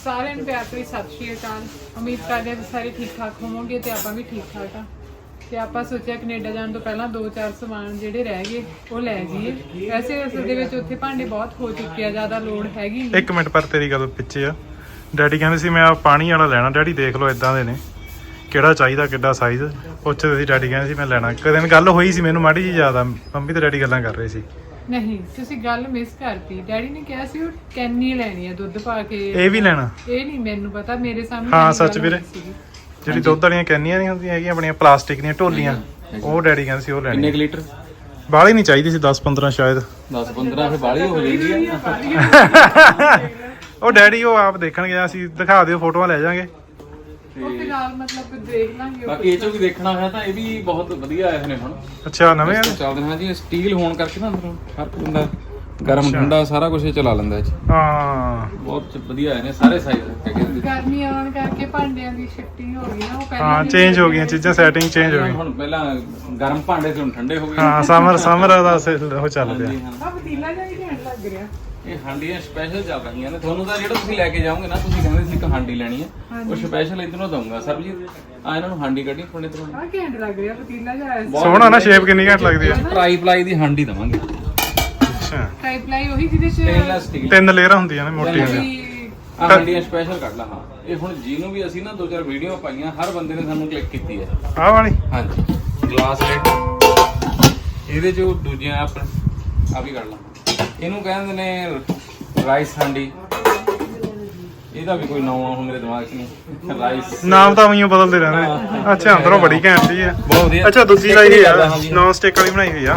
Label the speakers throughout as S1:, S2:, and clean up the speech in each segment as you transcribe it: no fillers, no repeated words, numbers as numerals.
S1: ਸਾਰਿਆਂ ਨੂੰ ਪਿਆਰ ਭਰੀ ਸਤਿ ਸ਼੍ਰੀ ਅਕਾਲ। ਉਮੀਦ ਕਰਦੇ ਹਾਂ ਤੁਸੀਂ ਸਾਰੇ ਠੀਕ ਠਾਕ ਹੋਵੋਗੇ ਤੇ ਆਪਾਂ ਵੀ ਠੀਕ ਠਾਕ ਆ। ਤੇ ਆਪਾਂ ਸੋਚਿਆ ਕੈਨੇਡਾ ਜਾਣ ਤੋਂ ਪਹਿਲਾਂ 2-4 ਸਮਾਨ ਜਿਹੜੇ ਰਹਿ ਗਏ ਉਹ ਲੈ ਜਾਈਏ। ਵੈਸੇ ਅਸਲ ਦੇ ਵਿੱਚ ਉੱਥੇ ਭਾਂਡੇ ਬਹੁਤ ਹੋ ਚੁੱਕੇ ਆ, ਜ਼ਿਆਦਾ ਲੋੜ ਹੈਗੀ ਨਹੀਂ।
S2: ਇੱਕ ਮਿੰਟ ਪਰ ਤੇਰੀ ਗੱਲ ਪਿੱਛੇ ਆ। ਡੈਡੀ ਕਹਿੰਦੇ ਸੀ ਮੈਂ ਆ ਪਾਣੀ ਵਾਲਾ ਲੈਣਾ। ਡੈਡੀ ਦੇਖ ਲਓ ਇਦਾਂ ਦੇ ਨੇ, ਕਿਹੜਾ ਚਾਹੀਦਾ, ਕਿੱਡਾ ਸਾਈਜ਼ ਪੁੱਛਦੇ ਸੀ। ਡੈਡੀ ਕਹਿੰਦੇ ਸੀ ਮੈਂ ਲੈਣਾ। ਇੱਕ ਦਿਨ ਗੱਲ ਹੋਈ ਸੀ, ਮੈਨੂੰ ਮਾੜੀ ਜੀ ਯਾਦ ਆ, ਮੰਮੀ ਤੇ ਡੈਡੀ ਗੱਲਾਂ ਕਰ ਰਹੇ ਸੀ।
S1: ਨਹੀਂ, ਤੁਸੀਂ ਗੱਲ ਮਿਸ ਕਰਤੀ। ਡੈਡੀ ਨੇ ਕਿਹਾ ਸੀ ਉਹ ਕੈਨੀ ਲੈਣੀ ਆ ਦੁੱਧ ਪਾ ਕੇ।
S2: ਇਹ ਵੀ ਲੈਣਾ?
S1: ਇਹ ਨਹੀਂ ਮੈਨੂੰ ਪਤਾ, ਮੇਰੇ ਸਾਹਮਣੇ
S2: ਹਾਂ ਸੱਚ ਵੀਰੇ, ਜਿਹੜੀ ਦੁੱਧ ਵਾਲੀਆਂ ਕੈਨੀਆਂ ਨਹੀਂ ਹੁੰਦੀਆਂ ਹੈਗੀਆਂ ਆਪਣੀਆਂ ਪਲਾਸਟਿਕ ਦੀਆਂ ਢੋਲੀਆਂ, ਉਹ ਡੈਡੀ ਕਹਿੰਦੇ ਸੀ ਉਹ ਲੈਣੀ।
S3: ਕਿੰਨੇ ਲੀਟਰ?
S2: ਬਾਹਲੀ ਨਹੀਂ ਚਾਹੀਦੀ ਸੀ, 10-15 ਸ਼ਾਇਦ।
S3: 10-15 ਫਿਰ ਬਾਹਲੀ ਹੋ ਜਾਂਦੀ ਆ।
S2: ਉਹ ਡੈਡੀ ਉਹ ਆਪ ਦੇਖਣ ਗਿਆ ਸੀ, ਦਿਖਾ ਦਿਓ ਫੋਟੋਆਂ ਲੈ ਜਾਾਂਗੇ।
S1: ਉਹ ਫਿਲਹਾਲ ਮਤਲਬ ਦੇਖ ਲਾਂਗੇ।
S3: ਬਾਕੀ ਇਹ ਚੋਂ ਵੀ ਦੇਖਣਾ ਹੋਇਆ ਤਾਂ ਇਹ ਵੀ ਬਹੁਤ ਵਧੀਆ ਆਏ ਨੇ ਹੁਣ।
S2: ਅੱਛਾ ਨਵੇਂ ਆ?
S3: ਚੱਲਦੇ ਹਾਂ ਜੀ, ਸਟੀਲ ਹੋਣ ਕਰਕੇ ਨਾ ਅੰਦਰੋਂ ਫਰਕ ਹੁੰਦਾ, ਗਰਮ ਠੰਡਾ ਸਾਰਾ ਕੁਝ ਚਲਾ ਲੈਂਦਾ ਇਹ 'ਚ।
S2: ਹਾਂ
S3: ਬਹੁਤ ਵਧੀਆ ਆਏ ਨੇ ਸਾਰੇ ਸਾਈਜ਼।
S1: ਗਰਮੀ ਆਉਣ ਕਰਕੇ ਭਾਂਡਿਆਂ ਦੀ ਸ਼ਿਫਟਿੰਗ ਹੋ ਗਈ ਨਾ, ਉਹ ਪਹਿਲਾਂ
S2: ਹਾਂ ਚੇਂਜ ਹੋ ਗਈਆਂ ਚੀਜ਼ਾਂ, ਸੈਟਿੰਗ ਚੇਂਜ ਹੋ ਗਈ।
S3: ਹੁਣ ਪਹਿਲਾਂ ਗਰਮ ਭਾਂਡੇ ਸੀ, ਹੁਣ ਠੰਡੇ ਹੋ ਗਏ।
S2: ਹਾਂ ਸਮਰ ਦਾ ਉਹ ਚੱਲ ਪਿਆ।
S1: ਆ ਪਤੀਲਾ ਜਿਹਾ ਹੀ ਘੈਂਟ ਲੱਗ ਰਿਹਾ।
S3: ਇਹ ਹਾਂਡੀਆਂ ਸਪੈਸ਼ਲ ਚੱਲ ਰਹੀਆਂ ਨੇ। ਤੁਹਾਨੂੰ ਤਾਂ ਜਿਹੜਾ ਤੁਸੀਂ ਲੈ ਕੇ ਜਾਓਗੇ ਨਾ, ਤੁਸੀਂ ਕਹਿੰਦੇ ਸੀ ਇੱਕ ਹਾਂਡੀ ਲੈਣੀ ਹੈ, ਉਹ ਸਪੈਸ਼ਲ ਇਧਰੋਂ ਦਊਂਗਾ। ਸਰਬਜੀਤ ਆ ਇਹਨਾਂ ਨੂੰ ਹਾਂਡੀ ਕੱਢੀ ਆਪਣੇ ਤੋਂ।
S1: ਆ ਘੈਂਟ ਲੱਗ ਰਿਹਾ ਪਤੀਲਾ ਜਿਹਾ।
S2: ਸੋਹਣਾ ਨਾ, ਸ਼ੇਪ ਕਿੰਨੀ ਘੱਟ ਲੱਗਦੀ ਆ।
S3: ਟਰਾਈ ਪਲਾਈ ਦੀ ਹਾਂਡੀ ਦਵਾਂਗੇ।
S2: ਅੱਛਾ,
S1: ਟ੍ਰਾਈਪਲਾਈ ਉਹੀ ਜਿਹਦੇ ਚ
S3: ਸਟੇਨਲੈਸ ਸਟੀਲ
S2: 3 ਲੇਅਰਾਂ ਹੁੰਦੀਆਂ ਨੇ ਮੋਟੀਆਂ।
S3: ਆ ਹਾਂਡੀਆਂ ਸਪੈਸ਼ਲ ਕੱਢ ਲਾ। ਹਾਂ ਇਹ ਹੁਣ ਜਿਹਨੂੰ ਵੀ ਅਸੀਂ ਨਾ 2-4 ਵੀਡੀਓ ਪਾਈਆਂ, ਹਰ ਬੰਦੇ ਨੇ ਸਾਨੂੰ ਕਲਿੱਕ ਕੀਤੀ ਹੈ।
S2: ਆਹ ਵਾਲੀ?
S3: ਹਾਂਜੀ, ਗਲਾਸ ਰੇਟ ਇਹਦੇ ਚ ਦੂਜੀਆਂ ਆਪਾਂ ਆ ਵੀ ਕੱਢ ਲਾ। ਇਹਨੂੰ ਕਹਿੰਦੇ ਨੇ ਰਾਈਸ ਹਾਂਡੀ। ਇਹਦਾ ਵੀ ਕੋਈ ਨਾਮ ਆ ਹੁਣ ਮੇਰੇ ਦਿਮਾਗ 'ਚ ਨਹੀਂ। ਰਾਈਸ
S2: ਨਾਮ ਤਾਂ ਉਈਓ ਬਦਲਦੇ ਰਹਿੰਦੇ। ਅੱਛਾ, ਅੰਦਰੋਂ ਬੜੀ ਘੈਂਟ ਜੀ ਆ।
S3: ਬਹੁਤ ਵਧੀਆ।
S2: ਅੱਛਾ ਦੂਜੀ ਲਾਈ ਹੋਈ ਆ, ਨੌਨ ਸਟਿਕ ਵਾਲੀ ਬਣਾਈ ਹੋਈ ਆ।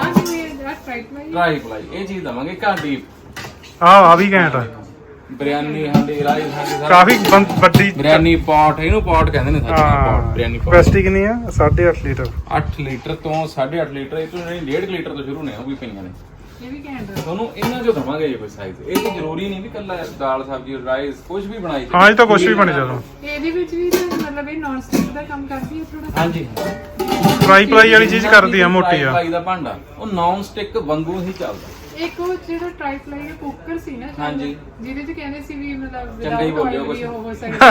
S3: ਟਰਾਈ ਪਲਾਈ ਇਹ ਚੀਜ਼ ਦਵਾਂਗੇ। ਕਾਂਡੀ
S2: ਆ ਵੀ ਘੈਂਟ ਆ।
S3: ਬਿਰਿਆਨੀ ਹਾਂਡੀ, ਰਾਈਸ ਹਾਂਡੀ,
S2: ਕਾਫੀ ਵੱਡੀ।
S3: ਬਿਰਿਆਨੀ ਪੌਟ, ਇਹਨੂੰ ਪੌਟ ਕਹਿੰਦੇ ਨੇ ਸੱਚ। Pot biryani pot.
S2: ਕੈਪੈਸਿਟੀ ਕਿੰਨੀ ਆ? 8.5 ਲੀਟਰ।
S3: 8 ਲੀਟਰ ਤੋਂ 8.5 ਲੀਟਰ, ਇਹ ਤੋਂ ਜਿਹੜੀ 1.5 ਲੀਟਰ ਤੋਂ ਸ਼ੁਰੂ ਨੇ, ਉਹ ਵੀ ਪਈਆਂ ਨੇ।
S1: ਇਹ ਵੀ ਘੈਂਟ ਆ।
S3: ਤੁਹਾਨੂੰ ਇਹਨਾਂ ਚੋਂ ਦਵਾਂਗੇ ਜੇ ਕੋਈ ਸਾਈਜ਼। ਇਹ ਤਾਂ ਜ਼ਰੂਰੀ ਨਹੀਂ ਵੀ ਕੱਲਾ ਦਾਲ ਸਬਜ਼ੀ ਰਾਈਸ ਕੁਝ ਵੀ ਬਣਾਈ ਜਾਵੇ।
S2: ਹਾਂ ਇਹ ਤਾਂ ਕੁਝ ਵੀ ਬਣ ਜਾਂਦਾ।
S1: ਇਹਦੇ ਵਿੱਚ ਵੀ ਮਤਲਬ ਇਹ ਨੌਨ ਸਟਿਕ ਦਾ ਕੰਮ ਕਰਦੀ ਹੈ ਥੋੜਾ।
S3: ਹਾਂਜੀ,
S2: ਟਰਾਈ ਪਲਾਈ ਵਾਲੀ ਚੀਜ਼ ਕਰਦੀ ਆ, ਮੋਟੀ ਆ।
S3: ਪਲਾਈ ਦਾ ਭਾਂਡਾ ਉਹ ਨੌਨ ਸਟਿਕ ਵਾਂਗੂ ਹੀ ਚੱਲਦਾ।
S1: ਇੱਕ ਉਹ ਜਿਹੜਾ ਟ੍ਰਾਈਪਲਾਈ ਦਾ ਕੁੱਕਰ ਸੀ ਨਾ,
S3: ਹਾਂਜੀ,
S1: ਜਿਹਦੇ ਚ ਕਹਿੰਦੇ ਸੀ ਵੀ ਮਤਲਬ
S3: ਚੰਗਾ ਹੀ ਬੋਲਿਓ ਕੁਛ।
S1: ਉਹ ਹੋ ਸਕਦਾ।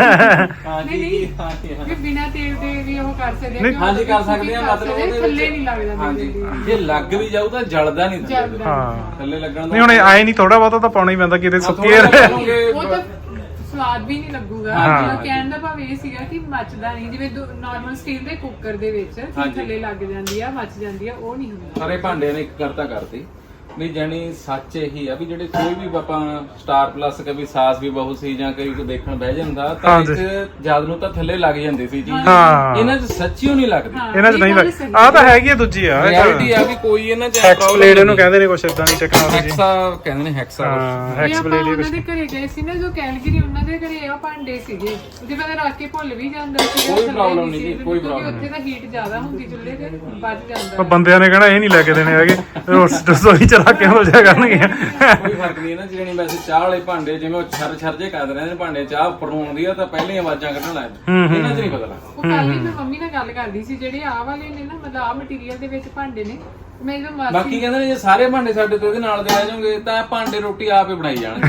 S3: ਹਾਂਜੀ
S1: ਕਿ ਬਿਨਾ ਤੇਲ ਦੇ ਵੀ ਉਹ ਕਰ ਸਕਦੇ।
S3: ਹਾਂਜੀ ਕਰ ਸਕਦੇ ਆ। ਮਤਲਬ ਉਹਦੇ
S1: ਥੱਲੇ ਨਹੀਂ ਲੱਗਦਾ।
S3: ਹਾਂਜੀ, ਜੇ ਲੱਗ ਵੀ ਜਾਊ ਤਾਂ ਜਲਦਾ ਨਹੀਂ ਥੱਲੇ।
S2: ਹਾਂ
S3: ਥੱਲੇ ਲੱਗਣ ਦਾ
S2: ਨਹੀਂ, ਹੁਣ ਆਏ ਨਹੀਂ, ਥੋੜਾ ਬਹੁਤਾ ਤਾਂ ਪਾਉਣਾ ਹੀ ਪੈਂਦਾ, ਕਿਤੇ ਸੁੱਕੀ
S1: ਉਹ ਤਾਂ ਸਵਾਦ ਵੀ ਨਹੀਂ ਲੱਗੂਗਾ। ਮਤਲਬ ਕਹਿਣ ਦਾ ਭਾਵ ਇਹ ਸੀਗਾ ਕਿ ਮੱਚਦਾ ਨਹੀਂ, ਜਿਵੇਂ ਨਾਰਮਲ ਸਟੀਲ ਦੇ ਕੁੱਕਰ ਦੇ ਵਿੱਚ ਥੱਲੇ ਲੱਗ ਜਾਂਦੀ ਆ, ਮੱਚ ਜਾਂਦੀ ਆ, ਉਹ ਨਹੀਂ ਹੁੰਦਾ।
S3: ਸਾਰੇ ਭਾਂਡਿਆਂ ਨੇ ਇੱਕ ਕਰਤਾ ਕਰਤੀ ਵੀ ਜਾਨੀ ਸੱਚ ਇਹੀ ਆ ਵੀ ਜਿਹੜੇ ਕੋਈ ਵੀ ਆਪਾਂ ਸਟਾਰ ਪਲੱਸ ਕभी ਸਾਸ ਵੀ ਬਹੁਤ ਸੀ ਜਾਂ ਕੋਈ ਦੇਖਣ ਬਹਿ ਜਾਂਦਾ ਤਾਂ ਇੱਕ ਜਦ ਨੂੰ ਤਾਂ ਥੱਲੇ ਲੱਗ ਜਾਂਦੀ ਸੀ ਚੀਜ਼। ਇਹਨਾਂ 'ਚ ਸੱਚੀਓ ਨਹੀਂ ਲੱਗਦੀ।
S2: ਇਹਨਾਂ 'ਚ ਨਹੀਂ ਲੱਗ। ਆ ਤਾਂ ਹੈਗੀ ਆ ਦੂਜੀ ਆ,
S3: ਰਿਐਲਿਟੀ ਆ ਵੀ ਕੋਈ ਇਹਨਾਂ 'ਚ
S2: ਹੈਕਸਪਲੇਡ ਇਹਨੂੰ ਕਹਿੰਦੇ ਨੇ, ਕੁਛ ਇਦਾਂ ਦੀ ਟੈਕਨੋਲੋਜੀ।
S3: ਹੈਕਸਾ ਕਹਿੰਦੇ ਨੇ, ਹੈਕਸਾ।
S2: ਹਾਂ ਹੈਕਸਪਲੇਡ
S1: ਉਹਨਾਂ ਦੇ ਘਰੇ ਗਏ ਸੀ ਨਾ, ਜੋ ਕੈਲਗਰੀ, ਉਹਨਾਂ ਦੇ ਘਰੇ ਇਹ ਭਾਂਡੇ ਸੀਗੇ ਜਿਹਦੇ ਮੈਂ ਰੱਖ ਕੇ ਭੁੱਲ ਵੀ ਜਾਂਦਾ ਸੀ।
S3: ਕੋਈ ਪ੍ਰੋਬਲਮ ਨਹੀਂ ਜੀ, ਕੋਈ ਪ੍ਰੋਬਲਮ
S1: ਉੱਥੇ ਤਾਂ ਹੀਟ ਜ਼ਿਆਦਾ ਹੁੰਦੀ ਚੁੱਲ੍ਹੇ ਤੇ, ਵੱਜ ਜਾਂਦਾ।
S2: ਪਰ ਬੰਦਿਆਂ ਨੇ ਕਹਿਣਾ ਇਹ ਨਹੀਂ ਲੈ ਕੇ ਦੇਣੇ ਹੈਗੇ, ਰਸੋਈ ਚ ਰੱਖ ਕੇ ਹੋ ਜਾ ਕਰਨਗੇ।
S3: ਕੋਈ ਫਰਕ ਨਹੀਂ ਇਹਨਾਂ 'ਚ। ਜਿਹੜੀ ਵੈਸੇ ਚਾਹ ਵਾਲੇ ਭਾਂਡੇ ਜਿਵੇਂ ਉਹ ਛਰ ਜੇ ਕਰਦੇ ਰਹਿੰਦੇ ਨੇ ਭਾਂਡੇ, ਚਾਹ ਉੱਪਰ ਨੂੰ ਆਉਂਦੀ ਆ ਤਾਂ ਪਹਿਲੇ ਆਵਾਜ਼ਾਂ ਕੱਢਣ ਲੱਗ ਜਾਂਦੇ। ਇਹਨਾਂ 'ਚ ਨਹੀਂ ਪਤਾ ਲੱਗਦਾ।
S1: ਉਹ ਕੱਲ ਹੀ ਮੈਂ ਮੰਮੀ ਨਾਲ ਗੱਲ ਕਰਦੀ ਸੀ, ਜਿਹੜੇ ਆਹ ਵਾਲੇ ਨੇ ਨਾ, ਮਤਲਬ ਆਹ ਮਟੀਰੀਅਲ ਦੇ ਵਿੱਚ ਭਾਂਡੇ ਨੇ। ਮੈਂ ਜਦੋਂ ਮਾਸੀ
S3: ਬਾਕੀ ਕਹਿੰਦੇ ਨੇ ਜੇ ਸਾਰੇ ਭਾਂਡੇ ਸਾਡੇ ਤੋਂ ਇਹਦੇ ਨਾਲ ਦੇ ਲੈ ਜਾਓਗੇ ਤਾਂ ਭਾਂਡੇ ਰੋਟੀ ਆਪ ਹੀ ਬਣਾਈ ਜਾਣਗੇ।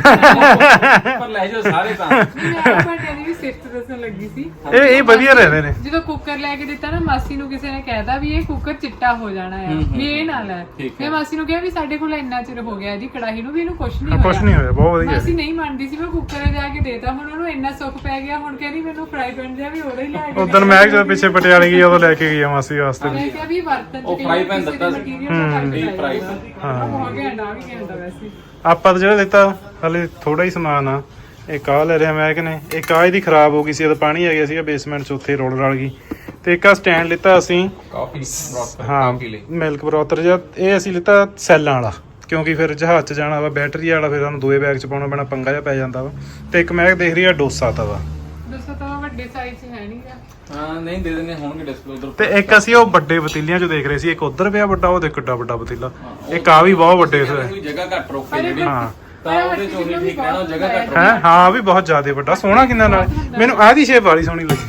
S3: ਪਰ ਲੈ ਜਾਓ ਸਾਰੇ ਤਾਂ।
S1: ਮੈਂ ਭਾਂਡਿਆਂ ਦੀ ਵੀ ਸਿਫਤ ਦੱਸਣ ਲੱਗੀ ਸੀ।
S2: ਇਹ ਵਧੀਆ ਰਹਿੰਦੇ ਨੇ।
S1: ਜਦੋਂ ਕੁੱਕਰ ਲੈ ਕੇ ਦਿੱਤਾ ਨਾ, ਮਾਸੀ ਨੂੰ ਕਿਸੇ ਨੇ ਕਹਿਤਾ ਵੀ ਇਹ ਕੁੱਕਰ ਚਿੱਟਾ ਹੋ ਜਾਣਾ ਹੈ, ਵੀ ਇਹ ਨਾ ਲੈ। ਮੈਂ ਮਾਸੀ ਨੂੰ ਕਿਹਾ ਵੀ ਸਾਡੇ ਕੋਲ ਇੰਨਾ ਚਿਰ ਹੋ ਗਿਆ ਇਹਦੀ ਕੜਾਹੀ ਨੂੰ, ਵੀ ਇਹਨੂੰ ਕੁਛ ਨਹੀਂ ਹੋਇਆ।
S2: ਕੁਛ ਨਹੀਂ ਹੋਇਆ, ਬਹੁਤ ਵਧੀਆ।
S1: ਮਾਸੀ ਨਹੀਂ ਮੰਨਦੀ ਸੀ। ਮੈਂ ਕੁੱਕਰ ਜਾ ਕੇ ਦੇਤਾ, ਹੁਣ ਉਹਨੂੰ ਇੰਨਾ ਸੁੱਖ ਪੈ ਗਿਆ। ਹੁਣ ਕਹਿੰਦੀ ਮੈਨੂੰ ਫਰਾਈ ਪੈਨ ਜਿਹਾ ਵੀ ਉਹਦਾ ਹੀ ਲੈ ਕੇ।
S2: ਉਦੋਂ ਮੈਂ ਜਦੋਂ ਪਿੱਛੇ ਪਟਿਆਲੇ ਗਈ ਉਦੋਂ ਲੈ ਕੇ ਗਈ ਆ ਮਾਸੀ ਵਾਸਤੇ।
S1: ਮੈਂ ਕਿਹਾ ਵੀ ਵਰਤਨ
S3: ਉਹ ਫਰਾਈ ਪੈਨ ਦਿੱਤਾ ਸੀ। ਫਰਾਈ ਪੈਨ
S1: ਹੋ ਗਿਆ ਨਾ, ਵੀ ਕਹਿੰਦਾ ਵੈਸੇ।
S2: ਆਪਾਂ ਤਾਂ ਜਿਹੜਾ ਲਿੱਤਾ ਹਲੇ ਥੋੜਾ ਹੀ ਸਮਾਨ ਆ। ਇੱਕ ਆਹ ਲੈ ਰਿਹਾ ਮੈਂ ਕਹਿੰਨੇ, ਇੱਕ ਆਹ ਇਹਦੀ ਖਰਾਬ ਹੋ ਗਈ ਸੀ, ਇਹਦਾ ਪਾਣੀ ਆ ਗਿਆ ਸੀਗਾ ਬੇਸਮੈਂਟ 'ਚ, ਉੱਥੇ ਰੋਲ ਰਲ ਗਈ। ਤੇ ਇੱਕ ਆ ਸਟੈਂਡ ਲਿੱਤਾ ਅਸੀਂ,
S3: ਕਾਫੀ
S2: ਹਾਂ ਮਿਲਕ ਬਰੋਥਰ ਜਿਹਾ। ਇਹ ਅਸੀਂ ਲਿੱਤਾ ਸੈੱਲਾਂ ਵਾਲਾ, ਕਿਉਂਕਿ ਫਿਰ ਜਹਾਜ਼ 'ਚ ਜਾਣਾ ਵਾ, ਬੈਟਰੀ ਵਾਲਾ, ਫਿਰ ਸਾਨੂੰ ਦੋਏ ਬੈਗ 'ਚ ਪਾਉਣਾ ਪੈਣਾ, ਪੰਗਾ ਜਿਹਾ ਪੈ ਜਾਂਦਾ ਵਾ। ਤੇ ਇੱਕ ਮੈਂ ਦੇਖ ਰਹੀ ਆ ਡੋਸਾ ਤਵਾ।
S1: ਡੋਸਾ ਤਵਾ ਵੱਡੇ ਸਾਈਜ਼ 'ਚ ਹੈ ਨਹੀਂਗਾ।
S3: ਹਾਂ ਨਹੀਂ ਦੇ ਦਿੰਦੇ ਹੋਣਗੇ ਡਿਸਪਲੇ ਉਧਰ।
S2: ਤੇ ਇੱਕ ਅਸੀਂ ਉਹ ਵੱਡੇ ਪਤੀਲਿਆਂ 'ਚ ਦੇਖ ਰਹੇ ਸੀ, ਇੱਕ ਉਧਰ ਪਿਆ ਵੱਡਾ, ਉਹ ਦੇਖ ਕਿੱਡਾ ਵੱਡਾ ਪਤੀਲਾ। ਇੱਕ ਆ ਵੀ ਬਹੁਤ ਵੱਡੇ
S3: ਕੋਈ ਜਗ੍ਹਾ ਘੱਟ ਰੋਕੇ ਜਿਹੜੀ,
S2: ਹਾਂ
S3: ਤਾਂ ਉਹਦੇ 'ਚ ਉਹੀ ਠੀਕ ਰਹਿਣਾ। ਜਗ੍ਹਾ ਘੱਟ
S2: ਹੈ, ਹਾਂ ਵੀ ਬਹੁਤ ਜ਼ਿਆਦਾ ਵੱਡਾ। ਸੋਹਣਾ ਕਿੰਨਾ ਨਾਲ, ਮੈਨੂੰ ਆਹ ਦੀ ਸ਼ੇਪ ਵਾਲੀ ਸੋਹਣੀ ਲੱਗੀ।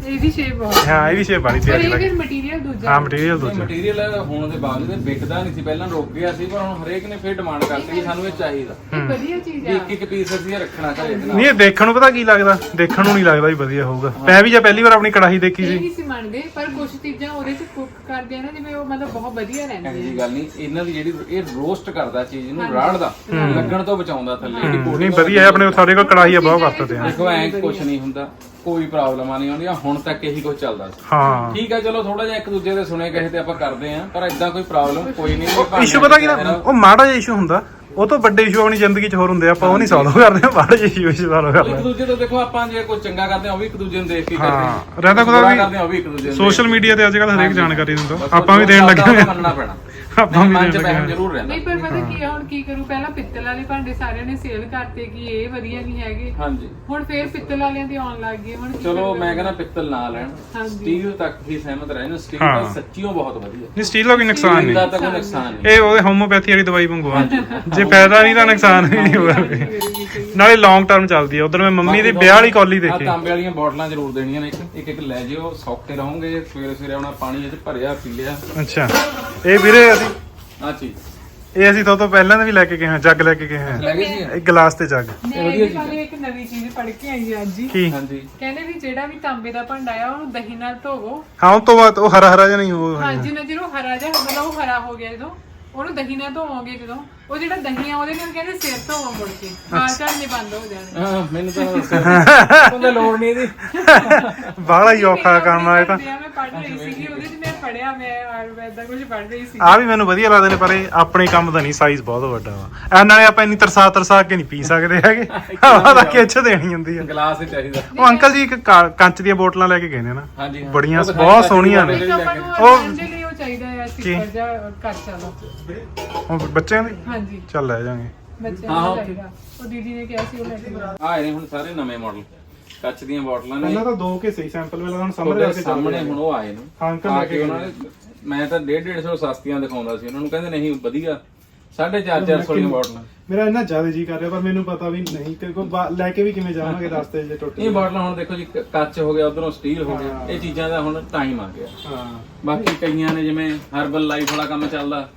S1: ਇਹਦੀ ਸ਼ੇਪ ਬਹੁਤ
S2: ਹਾਂ ਇਹ ਵੀ ਸ਼ੇਪ ਵਾਲੀ
S1: ਪਰ
S2: ਪਿਆਰੀ
S1: ਇਹ
S2: ਲੱਗੀ
S1: ਫਿਰ ਮਟੀਰੀਅਲ ਦੂਜਾ
S2: ਹਾਂ ਮਟੀਰੀਅਲ ਦੂਜਾ
S3: ਮਟੀਰੀਅਲ ਹੋਣ ਦੇ ਬਾਵਜੂਦ ਵਿਕਦਾ ਨਹੀਂ ਸੀ, ਪਹਿਲਾਂ ਰੁਕ ਗਿਆ ਸੀ, ਪਰ ਹੁਣ ਹਰੇਕ ਨੇ ਫਿਰ ਡਿਮਾਂਡ ਕਰਤੀ ਕਿ ਸਾਨੂੰ ਇਹ ਚਾਹੀਦਾ।
S1: ਇਹ ਵਧੀਆ ਚੀਜ਼
S3: ਵੀ
S1: ਆ।
S3: ਇੱਕ ਪੀਸ ਅਸੀਂ ਇਹ ਰੱਖਣਾ ਘਰੇ ਦੇ ਨਾਲ।
S2: ਨਹੀਂ ਇਹ ਦੇਖਣ ਨੂੰ ਪਤਾ ਕੀ ਲੱਗਦਾ, ਦੇਖਣ ਨੂੰ ਨਹੀਂ ਲੱਗਦਾ ਵੀ ਵਧੀਆ ਹੋਊਗਾ। ਮੈਂ ਵੀ ਜੇ ਪਹਿਲੀ ਵਾਰ ਆਪਣੀ ਕੜਾਹੀ ਦੇਖੀ
S1: ਇਹ
S2: ਸੀ
S1: ਨਹੀਂ ਸੀ ਮੰਨਦੇ, ਪਰ ਕੁਝ ਚੀਜ਼ਾਂ ਉਹਦੇ ਚ ਕੁੱਕ ਕਰਦੇ ਆ ਨਾ, ਜਿਵੇਂ ਉਹ ਮਤਲਬ ਬਹੁਤ ਵਧੀਆ
S3: ਇਹੋ
S1: ਰਹਿੰਦੀ
S3: ਜਿਹੀ ਗੱਲ ਨਹੀਂ, ਇਹਨਾਂ ਦੀ ਜਿਹੜੀ ਇਹ ਰੋਸਟ ਕਰਦਾ ਚੀਜ਼ ਨੂੰ, ਰਾੜਦਾ, ਲੱਗਣ ਤੋਂ ਬਚਾਉਂਦਾ ਥੱਲੇ ਜਿਹੜੀ
S2: ਨਹੀਂ
S3: coating
S2: ਵਧੀਆ ਹੈ, ਆਪਣੇ ਸਾਡੇ ਕੋਲ ਕੜਾਹੀ ਆ ਬਹੁਤ ਵਰਤਦੇ ਆ।
S3: ਦੇਖੋ ਐ ਕੁਝ ਨਹੀਂ ਹੁੰਦਾ, ਕੋਈ ਪ੍ਰੋਬਲਮ ਨਹੀਂ ਆਉਂਦੀ, ਹੁਣ ਤੱਕ ਇਹੀ ਕੁਝ ਚੱਲਦਾ ਸੀ।
S2: ਹਾਂ
S3: ਠੀਕ ਹੈ ਚਲੋ ਥੋੜਾ ਜਿਹਾ ਇੱਕ ਦੂਜੇ ਦੇ ਸੁਣੇ ਕਹੇ ਤੇ ਆਪਾਂ ਕਰਦੇ ਆਂ, ਪਰ ਇਦਾਂ ਕੋਈ ਪ੍ਰੋਬਲਮ ਕੋਈ ਨਹੀਂ।
S2: ਇਸ਼ੂ ਪਤਾ ਕੀ ਨਾ, ਉਹ ਮਾੜਾ ਜਿਹਾ ਇਸ਼ੂ ਹੁੰਦਾ, ਉਹ ਤੋਂ ਵੱਡੇ ਇਸ਼ੂ ਆਪਣੀ ਜ਼ਿੰਦਗੀ 'ਚ ਹੋਰ ਹੁੰਦੇ ਆ, ਆਪਾਂ ਉਹ ਨਹੀਂ ਸੋਲਵ ਕਰਦੇ, ਮਾੜਾ ਜਿਹਾ ਇਸ਼ੂ ਸੋਲਵ ਕਰਦੇ
S3: ਇੱਕ ਦੂਜੇ ਤੋਂ ਦੇਖੋ, ਆਪਾਂ ਜੇ ਕੋਈ ਚੰਗਾ ਕਰਦੇ ਆ ਉਹ ਵੀ ਇੱਕ ਦੂਜੇ ਨੂੰ ਦੇਖ ਕੇ ਕਰਦੇ
S2: ਹਾਂ ਰਹਿੰਦਾ
S3: ਬੁਰਾ
S2: ਕੋਈ
S3: ਕਰਦੇ ਆ ਉਹ ਵੀ ਇੱਕ ਦੂਜੇ ਨੂੰ
S2: ਸੋਸ਼ਲ ਮੀਡੀਆ ਤੇ ਅੱਜ ਕੱਲ੍ਹ ਹਰੇਕ ਜਾਣਕਾਰੀ ਦਿੰਦਾ,
S3: ਬਸ
S2: ਆਪਾਂ ਵੀ ਦੇਣ ਲੱਗੇ ਹੋਏ ਆ।
S3: ਮੰਨਣਾ ਪੈਣਾ,
S2: ਆਪਾਂ ਵੀ
S3: ਮਨ ਚ
S2: ਦੇਣ ਲੱਗੇ
S3: ਬਹਿਮ
S2: ਹੋਏ ਆ।
S3: ਜ਼ਰੂਰ ਰਹਿੰਦਾ।
S1: ਨਹੀਂ ਪਰ ਪਤਾ ਕੀ ਆ, ਹੁਣ ਕੀ ਕਰੂ, ਪਹਿਲਾਂ ਪਿੱਤਲ ਵਾਲੇ ਭਾਂਡੇ ਸਾਰਿਆਂ ਨੇ ਸੇਲ ਕਰਤੇ ਕਿ ਇਹ ਵਧੀਆ ਨਹੀਂ ਹੈਗੇ,
S3: ਹਾਂਜੀ
S1: ਹੁਣ ਫੇਰ ਪਿੱਤਲ ਵਾਲਿਆਂ ਦੇ ਆਉਣ ਲੱਗ ਗਏ। ਹੁਣ ਕੀ
S3: ਚਲੋ
S1: ਕਰੂ?
S3: ਮੈਂ ਕਹਿੰਦਾ ਪਿੱਤਲ ਨਾ ਲੈਣ,
S1: ਹਾਂਜੀ।
S3: ਸਟੀਲ ਤੱਕ ਹੀ ਸਹਿਮਤ ਰਹਿਣ। ਸਟੀਲ
S2: ਹਾਂ।
S3: ਤਾਂ ਸੱਚੀਓ ਬਹੁਤ ਵਧੀਆ,
S2: ਨਹੀਂ ਸਟੀਲ ਦਾ ਕੋਈ ਨੁਕਸਾਨ
S3: ਇਹਦਾ
S2: ਨਹੀਂ,
S3: ਤਾਂ ਕੋਈ ਨੁਕਸਾਨ ਨਹੀਂ।
S2: ਇਹ ਉਹਦੇ ਹੋਮੋਪੈਥੀ ਵਾਲੀ ਦਵਾਈ ਵਾਂਗੂ ਆ, ਜੇ ਫਾਇਦਾ ਨਹੀਂ ਤਾਂ ਨੁਕਸਾਨ ਵੀ ਨਹੀਂ ਹੋਗਾ। ਨਾਲੇ ਲੌਂਗ ਟਰਮ ਚੱਲਦੀ ਆ। ਉਧਰ ਮੈਂ ਮੰਮੀ ਦੇ ਵਿਆਹ ਵਾਲੀ ਕੌਲੀ
S3: ਆਹ
S2: ਦੇਖੀ।
S3: ਤਾਂਬੇ ਵਾਲੀਆਂ ਬੋਟਲਾਂ ਜ਼ਰੂਰ ਦੇਣੀਆਂ ਨੇ, ਇੱਕ ਇੱਕ ਲੈ ਜਿਓ, ਸੌਖੇ ਰਹੋਗੇ। ਸਵੇਰੇ ਸਵੇਰੇ ਆਉਣਾ, ਪਾਣੀ ਇਹ ਚ ਭਰਿਆ ਪੀ ਲਿਆ।
S2: ਅੱਛਾ ਇਹ ਵੀਰੇ ਅਸੀਂ
S3: ਆ ਚੀਜ਼
S2: ਇਹ ਅਸੀਂ ਤੋਂ ਪਹਿਲਾਂ ਵੀ ਲੈ ਕੇ ਗਏ ਹਾਂ, ਜੱਗ ਲੈ ਕੇ ਗਏ ਹਾਂ,
S3: ਲੈ ਗਏ ਸੀ।
S2: ਇੱਕ ਗਲਾਸ ਤੇ ਜੱਗ।
S1: ਮੈਂ ਇਹਦੇ ਬਾਰੇ ਇੱਕ ਨਵੀਂ ਚੀਜ਼ ਪੜ੍ਹ ਕੇ ਆਈ ਹਾਂ ਅੱਜ ਹੀ।
S2: ਕੀ
S3: ਹਾਂਜੀ
S1: ਕਹਿੰਦੇ ਵੀ ਜਿਹੜਾ ਵੀ ਤਾਂਬੇ ਦਾ ਭਾਂਡਾ ਆ ਉਹਨੂੰ ਦਹੀਂ ਨਾਲ ਧੋਵੋ।
S2: ਹਾਂ ਉਹ ਤੋਂ ਬਾਅਦ ਉਹ ਹਰਾ ਹਰਾ ਜਿਹਾ ਨਹੀਂ ਉਹ
S1: ਹਾਂਜੀ ਨਾ ਜਦੋਂ ਹਰਾ ਜਿਹਾ ਮਤਲਬ ਉਹ ਹਰਾ ਹੋ ਗਿਆ, ਜਦੋਂ ਉਹਨੂੰ ਦਹੀਂ ਨਾਲ ਧੋਵੋਗੇ, ਜਦੋਂ ਉਹ ਜਿਹੜਾ ਦਹੀਂ ਆ ਉਹਦੇ ਨਾਲ ਕਹਿੰਦੇ ਸਿਰ ਧੋਵੋ ਮੁੜ ਕੇ, ਵਾਲ ਝੜਨੇ ਬੰਦ ਹੋ ਜਾਣੇ।
S3: ਹਾਂ ਮੈਨੂੰ ਤਾਂ ਉਹਦਾ ਲੋੜ ਨਹੀਂ ਇਹਦੀ।
S2: ਬਾਹਲਾ ਹੀ ਔਖਾ ਕੰਮ ਆ ਇਹ ਤਾਂ।
S1: ਮੈਂ ਪੜ੍ਹ ਰਹੀ ਸੀਗੀ ਉਹਦੇ 'ਚ, ਮੈਂ ਪੜ੍ਹਿਆ, ਮੈਂ ਆਯੁਰਵੈਦ ਦਾ ਕੁਝ ਪੜ੍ਹ ਰਹੀ ਸੀ।
S2: ਆ ਵੀ ਮੈਨੂੰ ਵਧੀਆ ਲੱਗਦੇ ਨੇ, ਪਰ ਇਹ ਆਪਣੇ ਕੰਮ ਦਾ ਨਹੀਂ, ਸਾਈਜ਼ ਬਹੁਤ ਵੱਡਾ ਵਾ। ਨਾਲੇ ਆਪਾਂ ਇੰਨੀ ਤਰਸਾ ਕੇ ਨਹੀਂ ਪੀ ਸਕਦੇ ਹੈਗੇ, ਹਵਾ ਤਾਂ ਖਿੱਚ ਦੇਣੀ ਹੁੰਦੀ ਆ।
S3: ਗਲਾਸ ਹੀ ਚਾਹੀਦਾ।
S2: ਉਹ ਅੰਕਲ ਜੀ ਇੱਕ ਕੰਚ ਦੀਆਂ ਬੋਤਲਾਂ ਲੈ ਕੇ ਗਏ ਨੇ ਨਾ,
S3: ਹਾਂਜੀ ਹਾਂ।
S2: ਬੜੀਆਂ
S3: ਉਹ ਤਾਂ
S2: ਬਹੁਤ
S3: ਹੈ,
S2: ਸੋਹਣੀਆਂ ਨੇ।
S1: ਇੱਕ ਆਪਾਂ ਨੂੰ
S2: ਉਹ-
S1: ਉਹਦੇ ਲਈ ਉਹ ਚਾਹੀਦਾ ਹੈ ਸਿੱਪਰ ਜਾਂ ਕੱਚ ਵਾਲਾ।
S2: ਉਹ ਬੱਚਿਆਂ ਦੀ
S1: ਹਾਂਜੀ
S2: ਚੱਲ ਲੈ ਜਾਾਂਗੇ।
S1: ਬੱਚਿਆਂ
S3: ਹਾਂ,
S1: ਨੂੰ ਚਾਹੀਦਾ। ਉਹ ਦੀਦੀ ਨੇ ਕਿਹਾ ਸੀ ਉਹ ਲੈ ਕੇ ਆਉਣਾ।
S3: ਆਏ ਨੇ ਹੁਣ ਸਾਰੇ ਨਵੇਂ ਮਾਡਲ ਕੱਚ ਦੀਆਂ ਬੋਟਲਾਂ ਨੇ।
S2: ਪਹਿਲਾਂ ਤਾਂ ਦੋ ਕੇ ਸਹੀ ਸੈਂਪਲ ਮਿਲਦਾ, ਹੁਣ ਸਮਝ
S3: ਤੁਹਾਡੇ ਸਾਹਮਣੇ ਹੁਣ ਉਹ ਆਏ ਨੇ।
S2: ਹਾਂ, ਅੰਕਲ
S3: ਆ
S2: ਲੈ
S3: ਕੇ
S2: ਕੇ
S3: ਉਹਨਾਂ ਨੇ, ਮੈਂ ਤਾਂ 150 ਸਸਤੀਆਂ ਦਿਖਾਉਂਦਾ ਸੀ ਉਹਨਾਂ ਨੂੰ, ਕਹਿੰਦੇ ਨਹੀਂ ਵਧੀਆ 450 ਦੀਆਂ ਬੋਟਲਾਂ।
S2: ਮੇਰਾ ਇੰਨਾ ਜ਼ਿਆਦਾ ਜੀ ਕਰ ਰਿਹਾ, ਪਰ ਮੈਨੂੰ ਪਤਾ ਵੀ ਨਹੀਂ ਤੇ ਕੋਈ ਲੈ ਕੇ ਵੀ ਕਿਵੇਂ ਜਾਵਾਂਗੇ ਰਸਤੇ 'ਚ ਟੁੱਟ
S3: ਇਹ ਬੋਟਲਾਂ ਹੁਣ ਦੇਖੋ ਜੀ, ਕੱਚ ਹੋ ਗਿਆ, ਉਧਰੋਂ ਸਟੀਲ ਹੋ ਗਿਆ, ਇਹ ਚੀਜ਼ਾਂ ਦਾ ਹੁਣ ਟਾਈਮ ਆ ਗਿਆ।
S2: ਹਾਂ
S3: ਬਾਕੀ ਕਈਆਂ ਨੇ ਜਿਵੇਂ ਹਰਬਲ ਲਾਈਫ ਵਾਲਾ ਕੰਮ ਚੱਲਦਾ,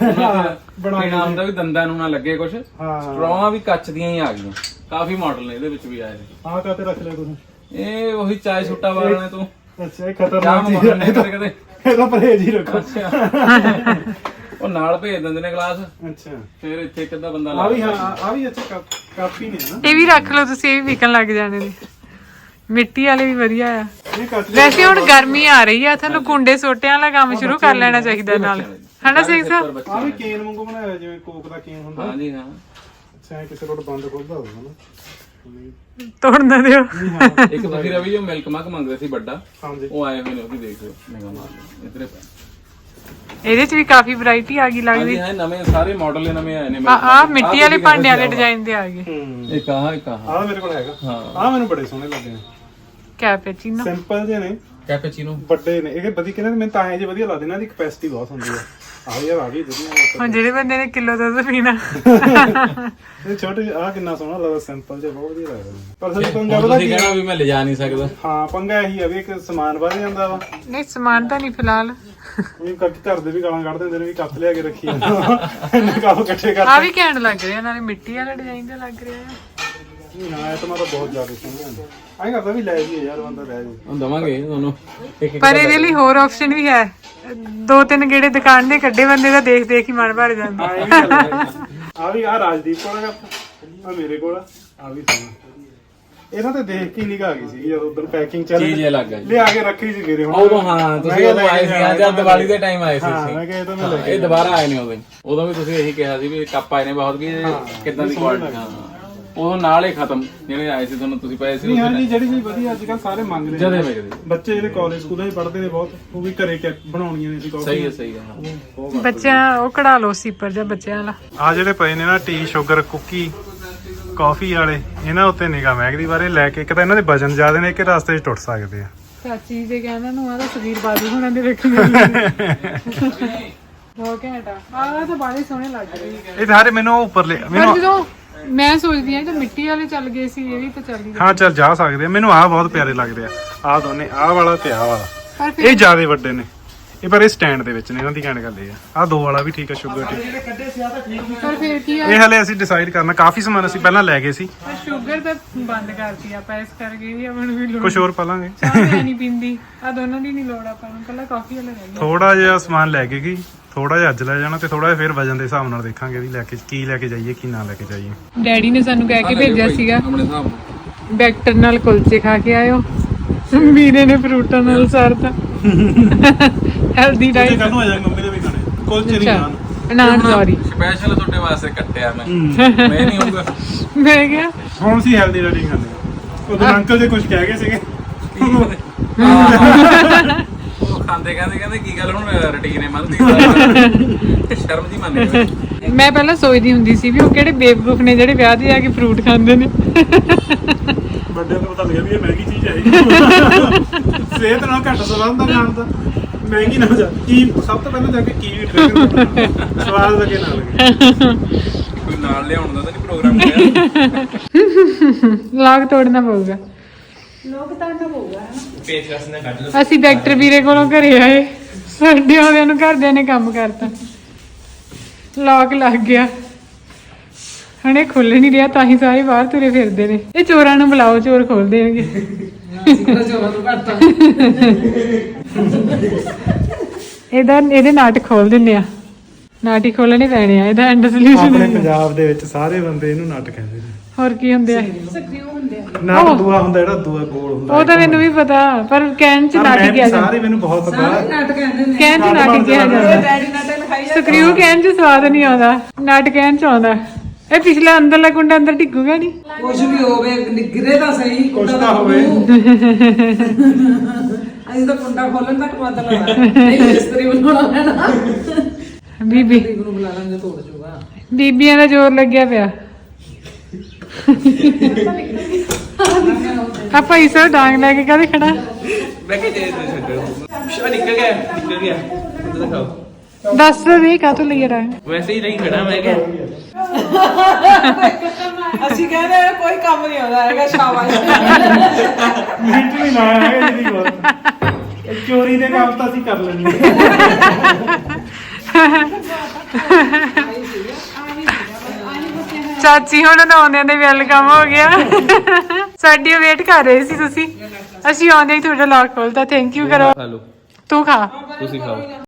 S3: ਬਣਾ ਹੁੰਦਾ ਵੀ ਦੰਦਾਂ ਨੂੰ ਨਾ ਲੱਗੇ ਕੁਝ।
S2: ਹਾਂ
S3: ਸਟਰੋਆਂ ਵੀ ਕੱਚ ਦੀਆਂ ਹੀ ਆ ਗਈਆਂ, ਕਾਫੀ ਮਾਡਲ ਨੇ ਇਹਦੇ ਵਿੱਚ ਵੀ ਆਏ ਨੇ।
S2: ਆਹ ਕਾਤੇ ਰੱਖ ਲਿਆ ਤੁਸੀਂ?
S3: ਇਹ ਉਹੀ ਚਾय ਸੁੱਟਾ ਵਾਲਿਆਂ ਤੋਂ
S2: ਅੱਛਾ ਇਹ
S3: ਚਾਹ
S2: ਖਤਰਨਾਕ ਚੀਜ਼
S3: ਮੰਗਾਉਂਦੇ
S2: ਹੈ,
S3: ਨੇ ਕਦੇ।
S2: ਇਹਦਾ ਪਰਹੇਜ਼ ਹੀ ਰੱਖੋ।
S3: ਉਹ ਨਾਲ ਭੇਜ ਦਿੰਦੇ ਨੇ ਗਲਾਸ,
S2: ਅੱਛਾ
S3: ਫਿਰ ਇੱਥੇ ਇੱਕ ਅੱਧਾ ਬੰਦਾ
S2: ਆ ਵੀ ਹਾਂ ਆ ਵੀ ਅੱਛਾ ਕਾਫੀ ਨੇ ਨਾ।
S1: ਇਹ ਵੀ ਰੱਖ ਲਓ ਤੁਸੀਂ, ਇਹ ਵੀ ਵਿਕਣ ਲੱਗ ਜਾਣੇ ਨੇ। ਮਿੱਟੀ ਵਾਲੇ ਵੀ ਵਧੀਆ ਆ।
S2: ਇਹ ਕੱਚ
S1: ਵੈਸੇ ਹੁਣ ਗਰਮੀ ਆ ਰਹੀ ਆ, ਤੁਹਾਨੂੰ ਕੁੰਡੇ ਸੋਟਿਆਂ ਵਾਲਾ ਕੰਮ ਸ਼ੁਰੂ ਕਰ ਲੈਣਾ ਚਾਹੀਦਾ ਨਾਲ, ਹਨਾ ਸਿੰਘ ਸਾਹਿਬ?
S2: ਆ ਵੀ ਕੇਨ ਵਾਂਗੂ ਬਣਾਇਆ ਹੋਇਆ, ਜਿਵੇਂ ਕੋਕ ਦਾ ਕੇਨ ਹੁੰਦਾ।
S3: ਹਾਂਜੀ ਹਾਂ।
S2: ਅੱਛਾ ਇਹ ਕਿਸੇ ਕੋਲ ਬੰਦ ਖੁੱਲਦਾ ਹੋਊਗਾ ਨਾ।
S1: ਤੋੜ ਨਾ ਦਿਓ।
S2: ਨਹੀਂ ਹਾਂ
S3: ਇੱਕ ਤੁਸੀਂ ਰਵੀ ਜੋ ਮਿਲਕ ਮੱਗ ਮੰਗਦੇ ਸੀ ਵੱਡਾ,
S2: ਹਾਂਜੀ
S3: ਉਹ ਆਏ ਹੋਏ ਨੇ, ਉਹ ਵੀ ਦੇਖ ਲਿਓ, ਨਿਗਾਹ ਮਾਰ ਲਿਓ ਇਧਰੇ ਪੈ।
S1: ਇਹਦੇ ਚ ਵੀ ਕਾਫੀ ਵੈਰਾਈਟੀ ਆ ਗਈ ਲੱਗਦੀ।
S3: ਹਾਂਜੀ ਹਾਂ, ਨਵੇਂ ਸਾਰੇ ਮਾਡਲ ਨਵੇਂ ਆਏ ਨੇ।
S1: ਆ ਮਿੱਟੀ ਵਾਲੇ ਭਾਂਡੇ ਵਾਲੇ ਡਿਜ਼ਾਈਨ ਦੇ ਆ ਗਏ।
S3: ਇੱਕ ਆਹ
S2: ਆ ਮੇਰੇ ਕੋਲ ਹੈਗਾ।
S3: ਹਾਂ
S2: ਆ ਮੈਨੂੰ ਬੜੇ ਸੋਹਣੇ ਲੱਗੇ ਨੇ,
S1: ਕੈਪੇਚੀਨੋ।
S2: ਸਿੰਪਲ ਜਿਹੇ ਨੇ,
S3: ਕੈਪੇਚੀਨੋ।
S2: ਵੱਡੇ ਨੇ। ਇਹ ਵਧੀਆ ਕਹਿੰਦੇ ਮੈਨੂੰ ਤਾਂ ਐ ਜੇ ਵਧੀਆ ਲੱਗਦੇ ਨਾ, ਇਹਦੀ ਕਪੈਸਿਟੀ ਬਹੁਤ ਹੁੰਦੀ ਆ। ਆ ਵੀ ਆ ਵੀ ਵਧੀਆ।
S1: ਹੁਣ ਜਿਹੜੇ ਬੰਦੇ ਨੇ ਕਿਲੋ ਦੁੱਧ ਪੀਣਾ,
S2: ਇਹ ਛੋਟੇ ਆ ਕਿੰਨਾ ਸੋਹਣਾ ਲੱਗਦਾ, ਸਿੰਪਲ ਜਿਹਾ ਬਹੁਤ ਵਧੀਆ ਲੱਗਦਾ। ਪਰ ਸੱਚ ਪੰਗਾ ਪਤਾ
S3: ਤੁਸੀਂ
S2: ਕੀ
S3: ਕਹਿਣਾ ਵੀ ਮੈਂ ਲਿਜਾ ਨਹੀਂ ਸਕਦਾ।
S2: ਹਾਂ ਪੰਗਾ ਇਹੀ ਆ ਵੀ ਇੱਕ ਸਮਾਨ ਵੱਧ ਜਾਂਦਾ ਵਾ।
S1: ਨਹੀਂ ਸਮਾਨ ਤਾਂ ਨਹੀਂ ਫਿਲਹਾਲ।
S2: ਵੀ ਘਰ ਦੇ ਵੀ ਗਾਲਾਂ ਕੱਢ ਦਿੰਦੇ ਨੇ ਵੀ ਕੱਪ ਲਿਆ ਕੇ ਰੱਖੀ ਜਾਂਦਾ, ਇੰਨੇ ਕੱਪ ਇਕੱਠੇ ਕਰ।
S1: ਆ ਵੀ ਘੈਂਟ ਲੱਗ ਰਿਹਾ, ਨਾਲੇ ਮਿੱਟੀ ਵਾਲਾ ਡਿਜ਼ਾਈਨ ਦਾ ਲੱਗ ਰਿਹਾ ਹੈ।
S2: ਨਾ ਇਹ ਤਾਂ ਮੈਂ ਤਾਂ ਬਹੁਤ ਜ਼ਿਆਦਾ ਸੋਹਣਾ ਆਏ ਕਰਦਾ ਵੀ ਲੈ ਜੀ ਯਾਰ, ਬੰਦਾ ਲੈ ਜੀ।
S3: ਹੁਣ ਦਵਾਂਗੇ ਤੁਹਾਨੂੰ ਇੱਕ
S1: ਪਰ ਇਹਦੇ ਲਈ ਹੋਰ ਆਪਸ਼ਨ ਵੀ ਹੈ। 2-3 ਗੇੜੇ ਦੁਕਾਨ ਦੇ ਕੱਢੇ ਬੰਦੇ ਦਾ ਦੇਖ ਦੇਖ ਹੀ ਮਨ ਭਰ ਜਾਂਦਾ।
S2: ਹਾਂ ਇਹ ਵੀ ਗੱਲ ਹੈ। ਆ ਵੀ ਆ ਰਾਜਦੀਪ ਕੋਲ ਆ, ਆ ਮੇਰੇ ਕੋਲ ਆ ਵੀ ਸੋਹਣਾ। ਇਹਨਾਂ ਤੇ ਦੇਖ ਕੇ ਨਿਗਾਹ ਆ ਗਈ ਸੀ ਜਦੋਂ ਉਧਰ ਪੈਕਿੰਗ ਚੱਲ
S3: ਚੀਜ਼ ਇਹ ਲੱਗ ਗਈ।
S2: ਲਿਆ ਕੇ ਰੱਖੀ ਸੀ ਮੇਰੇ। ਹੁਣ
S3: ਉਦੋਂ ਹਾਂ ਤੁਸੀਂ ਉਦੋਂ ਆਏ ਸੀ, ਜਦ ਦੀਵਾਲੀ ਦੇ ਟਾਈਮ ਆਏ ਸੀ
S2: ਹਾਂ
S3: ਤੁਸੀਂ।
S2: ਮੈਂ ਕਿਹਾ ਇਹ ਤਾਂ ਮੈਂ ਲੈ
S3: ਇਹ ਦੁਬਾਰਾ ਆਏ ਨੇ ਉਦੋਂ ਵੀ ਤੁਸੀਂ ਇਹੀ ਕਿਹਾ ਸੀ ਵੀ ਕੱਪ ਆਏ ਨੇ ਬਹੁਤ, ਵੀ ਕਿੱਦਾਂ ਦੀ ਕੁਆਲਿਟੀ। ਹਾਂ ਉਦੋਂ ਨਾਲ ਹੀ ਖਤਮ ਜਿਹੜੇ ਆਏ ਸੀ ਤੁਹਾਨੂੰ, ਤੁਸੀਂ ਪਏ ਸੀ
S2: ਨਹੀਂ ਹਾਂ ਜੀ, ਜਿਹੜੀ ਚੀਜ਼ ਵਧੀਆ ਅੱਜ ਕੱਲ ਸਾਰੇ ਮੰਗ ਰਹੇ
S3: ਜਦੇ
S2: ਨੇ।
S3: ਵੇਖਦੇ।
S2: ਬੱਚੇ ਜਿਹੜੇ ਕਾਲਜ ਸਕੂਲਾਂ 'ਚ ਪੜ੍ਹਦੇ ਨੇ ਬਹੁਤ, ਉਹ ਵੀ ਘਰੇ ਬਣਾਉਣੀਆਂ ਨੇ ਸੀ ਕਾਫੀ।
S3: ਸਹੀ ਹੈ ਸਹੀ ਹੈ।
S1: ਬੱਚਿਆਂ ਉਹ ਕਢਾ ਲਓ ਸੀਪਰ ਜਾਂ ਬੱਚਿਆਂ ਵਾਲਾ।
S2: ਆ ਜਿਹੜੇ ਪਏ ਨੇ ਨਾ ਟੀ ਸ਼ੂਗਰ ਕੁੱਕੀ ਕਾਫੀ ਵਾਲੇ, ਇਹਨਾਂ ਉੱਤੇ ਨਿਗਾਹ ਮਹਿਕਦੀ ਬਾਰੇ ਲੈ ਕੇ। ਇੱਕ ਤਾਂ ਇਹਨਾਂ ਦੇ ਵਜਨ ਜ਼ਿਆਦਾ ਨੇ, ਕਿ ਰਸਤੇ 'ਚ ਟੁੱਟ ਸਕਦੇ ਆ।
S1: ਚਾਚੀ ਦੇ ਕਹਿੰਦਾ ਨੂੰ ਆਦਾ ਸਰੀਰ ਬਾਜੂ ਹੋਣਾ ਦੇ ਵੇਖੀ ਬਹੁਤ ਘੈਂਟ ਆ। ਆਹ ਤਾਂ ਬਾਲੇ ਸੋਹਣੇ ਲੱਗ ਰਹੇ।
S2: ਇਹ ਸਾਰੇ ਮੈਨੂੰ ਉੱਪਰ
S1: ਪਰ ਜਦੋਂ ਮੈਂ ਸੋਚਦੀ ਆ ਤਾਂ ਮਿੱਟੀ ਵਾਲੇ ਚੱਲ ਗਏ ਸੀ, ਇਹ ਵੀ ਤਾਂ ਚੱਲ ਗਏ।
S2: ਹਾਂ ਚੱਲ ਜਾ ਸਕਦੇ ਆ। ਮੈਨੂੰ ਆਹ ਬਹੁਤ ਪਿਆਰੇ ਲੱਗਦੇ ਆ। ਆਹ ਦੋਨੇ, ਆਹ ਵਾਲਾ ਤੇ ਆਹ ਵਾਲਾ,
S1: ਪਰ
S2: ਇਹ ਜ਼ਿਆਦੇ ਵੱਡੇ ਨੇ ਇਹ, ਪਰ ਇਹ ਸਟੈਂਡ ਦੇ ਵਿੱਚ ਨੇ। ਇਹਨਾਂ ਦੀ ਕਹਿਣ ਗੱਲ ਇਹ ਆ, ਆਹ 2 ਵਾਲਾ ਵੀ ਠੀਕ ਆ ਸ਼ੂਗਰ ਤੇ।
S1: ਪਰ ਫਿਰ ਕੀ ਆ,
S2: ਇਹ ਹਲੇ ਅਸੀਂ ਡਿਸਾਈਡ ਕਰਨਾ, ਕਾਫੀ ਸਮਾਨ ਅਸੀਂ ਪਹਿਲਾਂ ਲੈ ਗਏ ਸੀ।
S1: ਪਰ ਸ਼ੂਗਰ ਤਾਂ ਬੰਦ ਕਰਤੀ ਆਪਾਂ, ਇਸ ਕਰਕੇ ਵੀ ਆਪਾਂ ਨੂੰ ਵੀ ਲੋੜ
S2: ਕੁਝ ਹੋਰ ਪਾ ਲਾਂਗੇ।
S1: ਚਾਹ ਮੈਂ ਨਹੀਂ ਪੀਂਦੀ, ਆ ਦੋਨਾਂ ਦੀ ਨਹੀਂ ਲੋੜ ਆਪਾਂ ਨੂੰ, ਕੱਲਾ ਕਾਫੀ ਵਾਲਾ ਰਹਿ ਗਿਆ।
S2: ਥੋੜਾ ਜਿਹਾ ਸਮਾਨ ਲੈ ਕੇ ਗਈ, ਥੋੜਾ ਜਿਹਾ ਅੱਜ ਲੈ ਜਾਣਾ ਤੇ ਥੋੜਾ ਜਿਹਾ ਫਿਰ ਵਜਨ ਦੇ ਹਿਸਾਬ ਨਾਲ ਦੇਖਾਂਗੇ ਵੀ ਲੈ ਕੇ ਕੀ ਲੈ ਕੇ ਜਾਈਏ ਕੀ ਨਾ ਲੈ ਕੇ ਜਾਈਏ।
S1: ਡੈਡੀ ਨੇ ਸਾਨੂੰ ਕਹਿ ਕੇ ਭੇਜਿਆ ਸੀਗਾ
S3: ਆਪਣੇ ਹਿਸਾਬ ਨਾਲ।
S1: ਬੈਕਟਰ ਨਾਲ ਕੁਲਚੇ ਖਾ ਕੇ ਆਇਓ, ਵੀਰੇ ਨੇ ਫਰੂਟਾਂ ਨਾਲ ਸਰਤਾ ਹੈਲਦੀ ਡਾਈਟ।
S2: ਕੱਲ ਨੂੰ ਆ ਜਾਾਂਗੇ, ਮੰਮੀ ਦੇ ਵੀ ਖਾਣੇ ਕੁਲਚੇ ਨਹੀਂ ਖਾਣ।
S1: ਨਾਨ ਸੌਰੀ,
S3: ਸਪੈਸ਼ਲ ਤੁਹਾਡੇ ਵਾਸਤੇ ਕੱਟਿਆ ਮੈਂ ਨਹੀਂ ਹੋਊਗਾ।
S1: ਮੈਂ ਕਿਹਾ
S2: ਹੁਣ ਅਸੀਂ ਹੈਲਦੀ ਰੈਡੀ ਖਾਂਦੇ ਆ। ਉਦੋਂ ਅੰਕਲ ਜੀ ਕੁਝ ਕਹਿ ਗਏ ਸੀਗੇ।
S3: ਉਹ ਖਾਂਦੇ ਕਹਿੰਦੇ ਕੀ ਗੱਲ ਹੁਣ ਰੁਟੀਨ ਹੈ ਮੰਨਦੀ ਸ਼ਰਮ ਦੀ ਮੰਨ ਗਈ।
S1: ਮੈਂ ਪਹਿਲਾਂ ਸੋਚਦੀ ਹੁੰਦੀ ਸੀ ਵੀ ਉਹ ਕਿਹੜੇ ਬੇਵਕੂਫ ਨੇ ਜਿਹੜੇ ਵਿਆਹ 'ਤੇ ਜਾ ਕੇ ਫਰੂਟ ਖਾਂਦੇ ਨੇ।
S2: ਵੱਡਿਆਂ ਨੂੰ ਪਤਾ ਲੱਗਿਆ ਵੀ ਇਹ ਮਹਿੰਗੀ ਚੀਜ਼ ਹੈ। ਸਿਹਤ ਨਾਲ ਘੱਟ ਸਵਾਦ ਦਾ ਖਾਣ ਦਾ ਮਹਿੰਗੀ ਨਾ ਹੋ ਜਾ। ਕੀ ਸਭ ਤੋਂ ਪਹਿਲਾਂ ਜਾ ਕੇ ਕੀ ਟ੍ਰਿਗਰ ਸਵਾਦ ਲੱਗੇ ਨਾ ਲੱਗੇ।
S3: ਕੋਈ ਨਾਲ ਲਿਆਉਣ ਦਾ ਤਾਂ ਨਹੀਂ ਪ੍ਰੋਗਰਾਮ ਹੋਇਆ।
S1: ਲਾਗ ਤੋੜਨਾ ਪਊਗਾ।
S3: ਪੇਚਕਸ ਨੇ ਕੱਢ ਲਓ।
S1: ਅਸੀਂ ਡਾਕਟਰ ਵੀਰੇ ਕੋਲੋਂ ਘਰੇ ਆਏ, ਸਾਡੇ ਆਉਂਦਿਆਂ ਨੂੰ ਘਰਦਿਆਂ ਨੇ ਕੰਮ ਕਰਤਾ, ਲੌਕ ਲੱਗ ਗਿਆ। ਹੁਣ ਇਹ ਖੁੱਲ ਨਹੀਂ ਰਿਹਾ, ਤਾਂ ਹੀ ਸਾਰੇ ਬਾਹਰ ਤੁਰੇ ਫਿਰਦੇ ਨੇ। ਇਹ ਚੋਰਾਂ ਨੂੰ ਬੁਲਾਓ, ਚੋਰ ਖੋਲ ਦੇਣਗੇ। ਇਹਦੇ ਨਾਟ ਖੋਲ ਦਿੰਦੇ ਆ, ਨਾਟ ਹੀ ਖੋਲਣੇ ਪੈਣੇ ਆ। ਇਹਦਾ ਐਂਡ ਸੋਲੂਸ਼ਨ
S2: ਆਪਣੇ ਪੰਜਾਬ ਦੇ ਵਿੱਚ ਸਾਰੇ ਬੰਦੇ ਇਹਨੂੰ ਨਟ ਕਹਿੰਦੇ ਨੇ।
S1: ਹੋਰ ਕੀ ਹੁੰਦੇ ਆ?
S2: ਨਾ ਦੂਆ ਹੁੰਦਾ ਜਿਹੜਾ ਦੂਆ ਗੋਲ ਹੁੰਦਾ।
S1: ਉਹ ਤਾਂ ਮੈਨੂੰ ਵੀ ਪਤਾ, ਪਰ ਕਹਿਣ ਚ ਨਾਟ ਕਿਹਾ ਜਾਂਦਾ।
S2: ਸਾਰੇ ਮੈਨੂੰ ਬਹੁਤ ਪਤਾ।
S1: ਕਹਿਣ ਚ ਨਾਟ ਕਿਹਾ ਜਾਂਦਾ। ਸਕਰੀਊ ਕਹਿਣ ਚ ਸਵਾਦ ਨਹੀਂ ਆਉਂਦਾ, ਨਾਟ ਕਹਿਣ ਚ ਆਉਂਦਾ। ਇਹ ਪਿਛਲਾ ਅੰਦਰਲਾ ਕੁੰਡਾ ਅੰਦਰ ਡਿੱਗੂਗਾ ਨਹੀਂ।
S4: ਕੁਝ ਵੀ ਹੋਵੇ, ਨਿਗਰੇ ਤਾਂ ਸਹੀ,
S2: ਕੁਛ ਤਾਂ ਹੋਵੇ।
S4: ਅਸੀਂ ਤਾਂ ਕੁੰਡਾ ਖੋਲਣ ਤੱਕ ਮਤਲਬ ਹੈ ਨਹੀਂ, ਮਿਸਤਰੀ ਬਣਾਉਣਾ ਪੈਣਾ।
S1: ਬੀਬੀ
S4: ਨੂੰ ਬੁਲਾ ਲਾਂਗੇ, ਤੋੜ ਜੂਗਾ।
S1: ਬੀਬੀਆਂ ਦਾ ਜ਼ੋਰ ਲੱਗਿਆ ਪਿਆ। ਆਪਾਂ ਇਸ ਡਾਂਗ ਲੈ ਕੇ ਕਾਹਦੇ ਖੜਾ?
S3: ਮੈਂ ਕਿਹਾ ਜੇ ਛੱਡੋ ਨਿਕਲ ਗਿਆ ਉਧਰ ਦਿਖਾਓ।
S1: ਦੱਸ ਵੀ ਕਾਹਤੋਂ ਲਈ ਡਾਂਗ?
S3: ਵੈਸੇ ਹੀ ਨਹੀਂ ਖੜਾ ਮੈਂ ਕਿਹਾ।
S4: ਅਸੀਂ ਕਹਿੰਦੇ ਆ, ਕੋਈ ਕੰਮ ਨਹੀਂ ਆਉਂਦਾ ਹੈਗਾ। ਸ਼ਾਬਾਸ਼।
S2: ਮਿੰਟ ਨਹੀਂ ਲਾਇਆ ਹੈਗਾ ਜਿਹਦੀ ਗੱਲ। ਚੋਰੀ ਦੇ ਕੰਮ ਤਾਂ ਅਸੀਂ ਕਰ ਲੈਂਦੇ।
S1: ਚਾਚੀ ਹੁਣ ਆਉਂਦਿਆਂ ਦੇ ਵੈਲਕਮ ਹੋ ਗਿਆ। ਸਾਡੀ ਵੇਟ ਕਰ ਰਹੇ ਸੀ ਤੁਸੀਂ, ਅਸੀਂ ਆਉਂਦੇ ਹੀ ਤੁਹਾਡਾ ਲੌਕ ਖੋਲਤਾ। ਥੈਂਕ ਯੂ ਕਰੋ।
S3: ਖਾ ਲਓ,
S1: ਤੂੰ ਖਾ।
S3: ਤੁਸੀਂ ਖਾਓ।